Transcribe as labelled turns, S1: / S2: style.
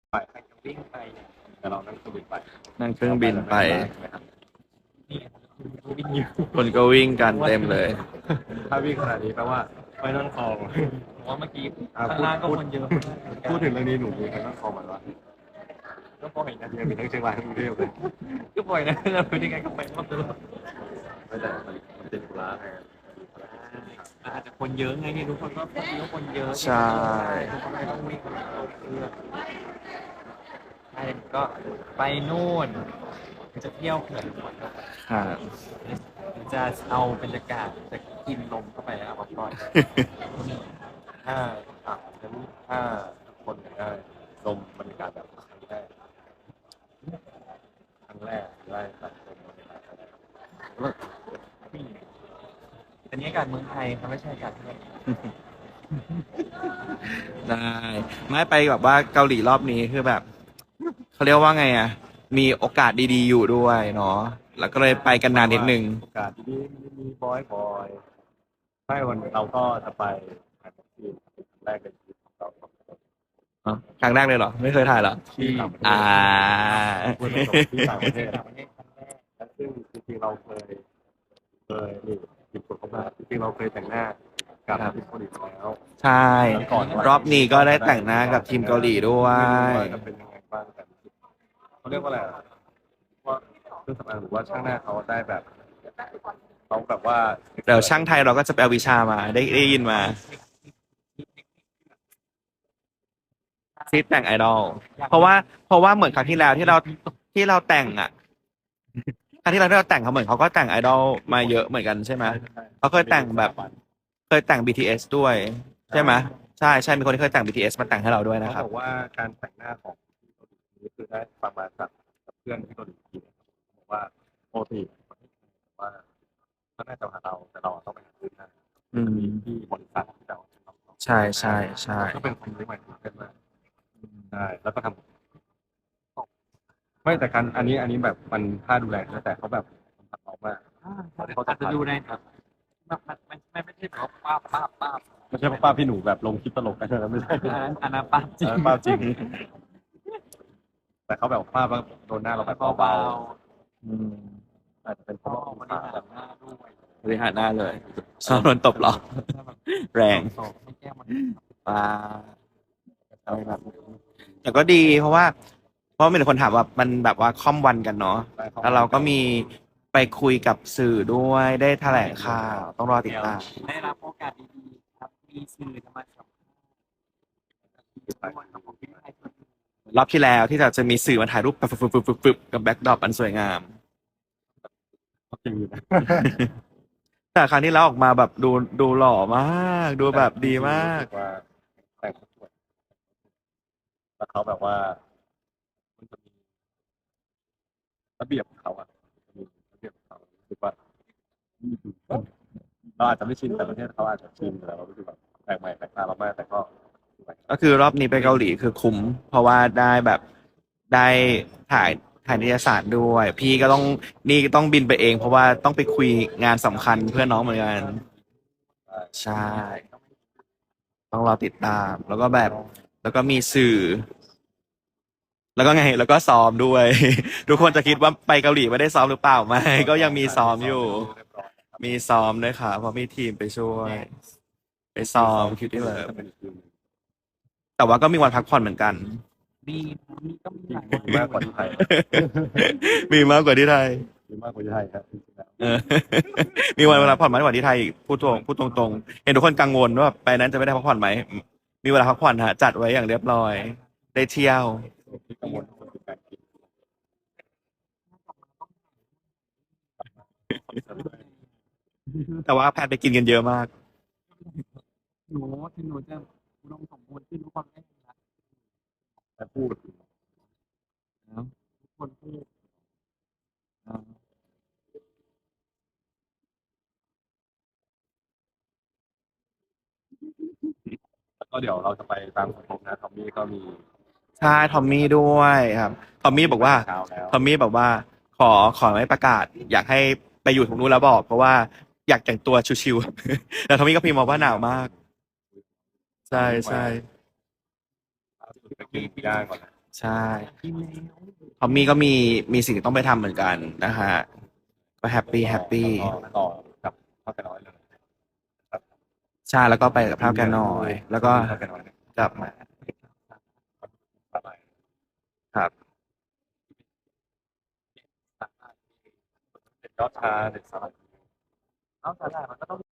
S1: ไปให้วิ่งไปแต่เรานั่งเครื่องบินไป
S2: นั่งเครื่องบินไป
S1: นี่วิ่งอยู่
S2: คนก็วิ่งกันเต็มเลย
S1: ถ้าวิ่งขนาดนี้แปลว่าไม่ต้องคลอง
S3: ผมว่าเมื่อกี้
S1: อ่ะ
S3: ข้างล่างก็คนเยอะ
S1: พูดถึงเรื่องนี้หนูมีใครต้องคลองมันวะ
S3: ก็ปล่อยนะ
S1: ยังมีทั้งเชียงรายทั้งกรุงเทพเลย
S3: ก็ปล่อยนะเราเป็นยังไงก็ไปรอบตลอด
S1: ไม่แต่มันติดธุระไง
S3: อาจจะคนเยอะไงนี่ทุกคนก็คนเยอะ
S2: ใช่
S3: ทุกคนก็ต้องวิ่งลงเครื่องใช่ก็ไปนู่นจะเที่ยวเขื่อนก่อน
S2: ค่ะ
S3: จะเอาบรรยากาศจะกินลมเข้าไปเอามาปล่อย
S1: ถ้างั้นถ้าคนอยากได้ลมบรรยากาศแบบครั้งแรกได้แบบลมบรรยากาศอะไรแล้ว
S3: อันนี้อากาศเมืองไทยครับไม่ใช่อากาศที่ไหน
S2: ได้ไม่ไปแบบว่าเกาหลีรอบนี้คือแบบเขาเรียกว่าไงอ่ะ มีโอกาสดีๆอยู่ด้วยเนาะแล้วก็เลยไปกันนานนิดนึง
S1: โอกาสที่มีบอยไม่วันเราก็จะไปถ่ายที่ครั้งแรกในชีวิตของเราสองคน
S2: ครั้งแรกเลยเหรอ ไม่เคยถ่ายเหรอ
S1: ที่ต่างประเทศ
S2: อ่า
S1: พูดตรงๆที่ต่างประเทศ
S3: ต่างประเทศครั้งแรก
S1: และซึ่งจริงๆเราเคยนี่หยิบกดเข้ามาจริงๆเราเคยแต่งหน้ากับ
S2: ครับ
S1: ทีมเกาหลีมาแล้ว
S2: ใช่ รอบนี้ก็ได้แต่งหน้ากับทีมเกาหลีด้วย
S1: ไม่รู้ว่าจะเป็นยังไงบ้างแต่เขาเรียกว่าอะไรอะว่าเครื่องสำอางหรือว่าช่างหน้าเขาได้แบบเขาแบบว่า
S2: เดี๋ยวช่างไทยเราก็จะไปเอาวิชามาได้ยินมาซีแต่งไอดอลเพราะว่าเหมือนครั้งที่แล้วที่เราแต่งอ่ะครั้งที่เราแต่งเขาเหมือนเขาก็แต่งไอดอลมาเยอะเหมือนกันใช่ไหมเขาเคยแต่งแบบเคยแต่ง BTS ด้วยใช่ไหมใช่มีคนที่เคยแต่ง BTS มาแต่งให้เราด้วยนะค
S1: เขา
S2: รับ
S1: บอกว่าการแต่งหน้าของที่เกาหลีนี่คือได้ประมาณจากเพื่อนที่เกาหลีทีบอกว่าปกติว่าเขาน่าจะหาเราแต่เราต้องไปหาซื้อหน้า
S2: อืม
S1: ที่บริษัทที่เรา
S2: ใช่
S1: ก็เป็นคนที่ใหม่เกิดมาใช่แล้วก็ทำไม่แต่การอันนี้แบบมันค่าดูแลนะแต่เขาแบบทำเอามาก
S3: อาจจะดูในแบบไม่ใช่แบบว่าป้าบ
S1: ไม่ใช่ป้าพี่หนูแบบลงคลิปตลกกันนะไม่ใช่
S3: อันนั้นป้าบจริง
S1: ป้าจริง แต่เขาแบบป้าโดนหน้าเราแบบ
S3: เบา
S1: เบาๆอาจจะเป็นเพ
S3: ๆก็
S1: ราะว่า
S3: บริหารหน้าด้วย
S2: บริหารหน้าเลยชอบโดนตบเหรอ แรง
S3: ไม่แก้มัน
S2: ป้าอะไรแบบแต่ก็ดีเพราะมีแต่คนถามว่ามันแบบว่าค่อมวันกันเนาะแล้วเราก็มีไปคุยกับสื่อด้วยได้แถลงข่าวต้องรอติดตาม
S3: ได้รับโอกาสดีๆครับมีสื่อจะมาสัมภาษณ์ครับผมที่ให้คน
S2: รอบที่แล้วที่จะมีสื่อมาถ่ายรูปปึ๊บกับแบ็กดรอปอันสวยงาม
S1: จริงนะ
S2: แต่ครั้งที่แล้วออกมาแบบดูหล่อมากดูแบบดีมาก
S1: ว่าแต่งสวยแล้วเขาแบบว่ามันจะมีระเบียบของเขาอ่ะมีระเบียบของเขารู้สึกว่าเราอาจจะไม่ชินแต่ประเทศเขาอาจจะชินแต่เรารู้สึกแบบแปลกใหม่แปลกตาเรามากแต่ก็สวย
S2: ก็คือรอบนี้ไปเกาหลีคือคุ้มเพราะว่าได้แบบได้ถ่ายนิตยสารด้วย พี่ก็ต้องบินไปเอง เพราะว่าต้องไปคุยงานสำคัญเพื่อนน้องเหมือนกันใช่ต้องรอติดตาม แล้วก็แบบแล้วก็มีสื่อ แล้วก็ไงแล้วก็ซ้อมด้วย ทุกคนจะคิดว่าไปเกาหลีไม่ได้ซ้อมหรือเปล่าไม่ก็ยังมีซ้อมอยู่ มีซ้อมด้วยค่ะเพราะมีทีมไปช่วย ไปซ้อมคิวที่เลิฟแต่ว่าก็มีวันพักผ่อนเหมือนกัน
S3: มีก็มีหลาย
S1: มีมากกว่าที่ไทย
S2: มีมากกว่าที่ไทย
S1: มีมากกว่าที่ไทยครับจริงๆแล้ว
S2: เออ มีวันเวลาพักผ่อนมากกว่าที่ไทยอีกพูดตรงๆเห็นทุกคนกังวลว่าไปนั้นจะไม่ได้พักผ่อนไหมมีเวลาพักผ่อนฮะจัดไว้อย่างเรียบร้อย ได้เที่ยว
S1: ที่กังวลก็คือการกิน
S2: แต่ว่าแพทย์ไปกินกันเยอะมาก
S3: หนูถึงหนูจะอุดมสมบูรณ์ขึ้นทุกคนไม่มีละ
S1: แต่พูด
S3: ทุกคนพูด
S1: แล้วก็เดี๋ยวเราจะไปตามสมทบนะทอมมี่ก็มี
S2: ใช่ทอมมี่ด้วยครับทอมมี่บอกว่า
S1: เช้าแล้ว
S2: ทอมมี่บอกว่าขอไม่ประกาศ อยากให้ไปอยู่ตรงนู้นแล้วบอก เพราะว่าอยากแต่งตัวชิวๆ แต่ทอมมี่ก็พิมพ์มาว่าหนาวมาก ใช่
S1: ไปกินย่างก่อนนะ
S2: ใช่เพราะมี่ก็มีสิ่งที่ต้องไปทำเหมือนกันนะฮะก็แฮปปี้แฮปปี้
S1: แล้วก็ต่อกับพ่อแกน้อยเลยครับ
S2: ใช่แล้วก็ไปกับพระแกน้อย แล้วก็
S1: พ่อแกน้อยเนี่ย
S2: กลับมา
S1: อะไร
S2: ครับ
S1: เป็นยอดชาเด็ดสลัดเอาสาหร่ายมันก็ต้อง